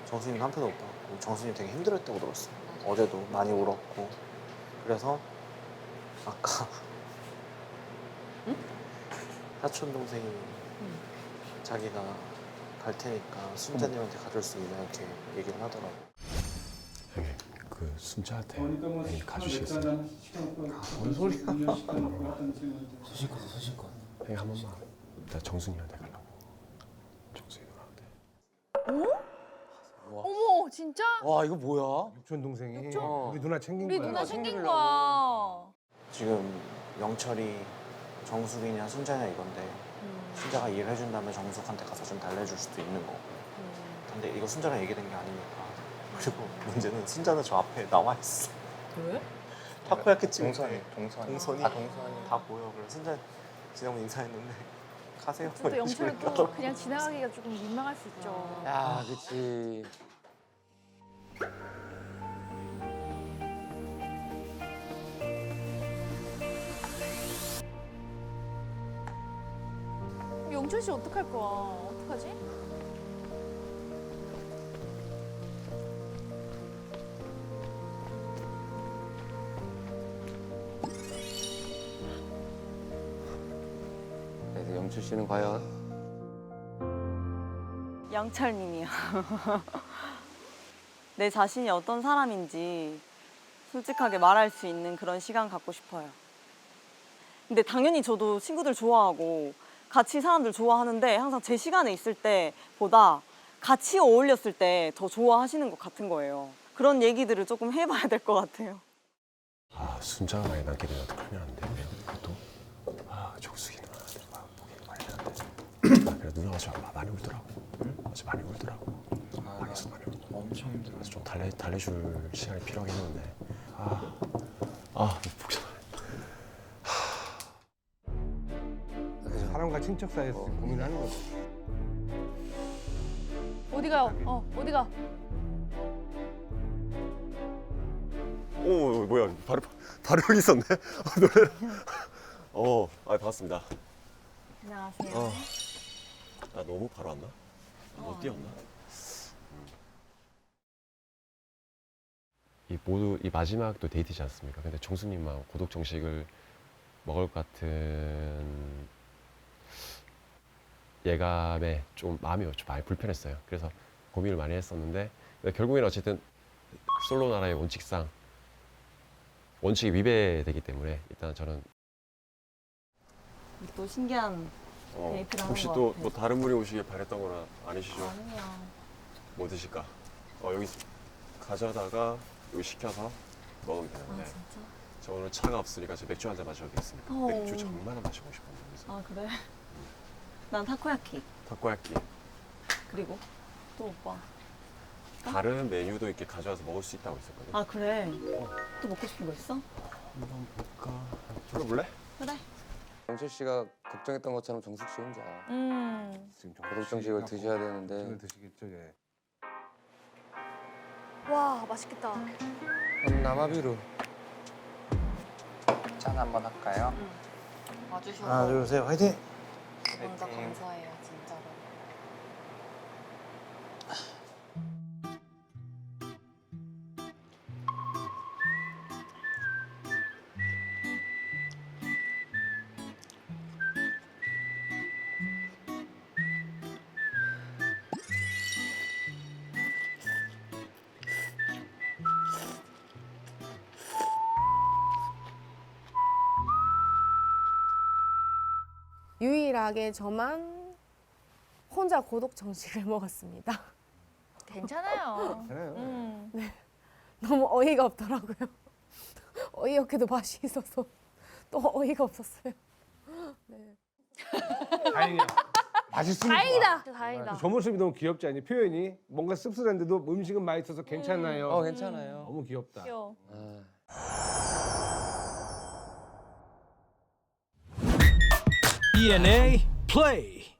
정순이는 한 편도 못 봤고 정순이 되게 힘들었다고 들었어. 어제도 많이 울었고. 그래서 아까 사촌 동생이 자기가 갈 테니까 순자님한테 가줄 수 있냐 이렇게 얘기를 하더라고. 형님 그 순자한테 형님 가주시겠어요? 뭔 소리야? 소신껏. 형님 한 번만. 나 정순이한테 가려고. 정순이 누나한테. 어머 진짜? 와 이거 뭐야? 육촌 동생이 육촌? 우리 누나 챙긴 우리 거야. 누나 생긴 거야. 지금 영철이 정숙이냐 순자냐 이건데 순자가 일을 해준 다음에 정숙한테 가서 좀 달래줄 수도 있는 거고. 근데 이거 순자랑 얘기된 게 아니니까. 그리고 문제는 순자는 저 앞에 나와 있어. 왜? 타코야키 찍을 동선이. 때 동선이 동선이. 다 보여. 그래서 순자 지나면 인사했는데 가세요. 또 영철은 또 그냥 지나가기가 조금 민망할 수 있죠. 야, 그치. 영철 씨 어떡할 거야? 어떡하지? 그래서 영철 씨는 과연 영철님이요. 내 자신이 어떤 사람인지 솔직하게 말할 수 있는 그런 시간 갖고 싶어요. 근데 당연히 저도 친구들 좋아하고 같이 사람들 좋아하는데 항상 제 시간에 있을 때보다 같이 어울렸을 때 더 좋아하시는 것 같은 거예요. 그런 얘기들을 조금 해봐야 될 것 같아요. 아 순자가 많이 남게 되면 어떡하면 안 돼? 그것도 아 정숙이 누나한테 막 보기 말이 안 돼. 아, 그래 누나가 저 많이 울더라고. 어제 많이 울더라고. 방에서 많이 울고. 엄청 힘들어. 그래서 좀 달래줄 시간이 필요하겠는데. 복잡하네. 사람과 친척 사이에서 고민하는 거지. 어디가? 어디가? 오 뭐야 바로 여기 있었네. 놀래라. 반갑습니다. 안녕하세요. 나 너무 바로 왔나? 못 뛰었나? 이 마지막도 데이트지 않습니까? 근데 정수님만 고독 정식을 먹을 것 같은 예감에 좀 마음이 좀 많이 불편했어요. 그래서 고민을 많이 했었는데 결국에는 어쨌든 솔로 나라의 원칙상 원칙이 위배되기 때문에 일단 저는 또 신기한 데이트를 하는 혹시 것 또 같아요. 뭐 다른 분이 오시길 바랬던 거나 아니시죠? 아니요. 뭐 드실까? 여기 가져다가 여기 시켜서 먹으면 아 되는데 진짜? 저 오늘 차가 없으니까 저 맥주 한 잔 마셔도 되겠습니까? 어. 맥주 정말 마시고 싶었는데 그래서 아 그래? 난 타코야키. 타코야끼 그리고 또 오빠. 다른 메뉴도 이렇게 가져와서 먹을 수 있다고 했었거든요. 아 그래? 또 먹고 싶은 거 있어? 한번 볼까? 불러볼래? 그래. 영철 씨가 걱정했던 것처럼 정숙 씨 혼자 지금 고독 정식을 드셔야 되는데 정식을 드시겠죠, 예. 와 맛있겠다. 남아비루. 짠 한번 할까요? 와주셔서 하나 둘 셋 화이팅! 먼저 감사해요, 진짜로. 유일하게 저만 혼자 고독 정식을 먹었습니다. 괜찮아요. 괜찮아요. 너무 어이가 없더라고요. 어이없게도 맛이 있어서 또 어이가 없었어요. 네. 다행이야. 맛있으면 다행이다. 좋아. 다행이다. 저 모습이 너무 귀엽지 않니? 표현이 뭔가 씁쓸한데도 음식은 맛있어서 괜찮아요. 괜찮아요. 너무 귀엽다. 귀여워. ENA play.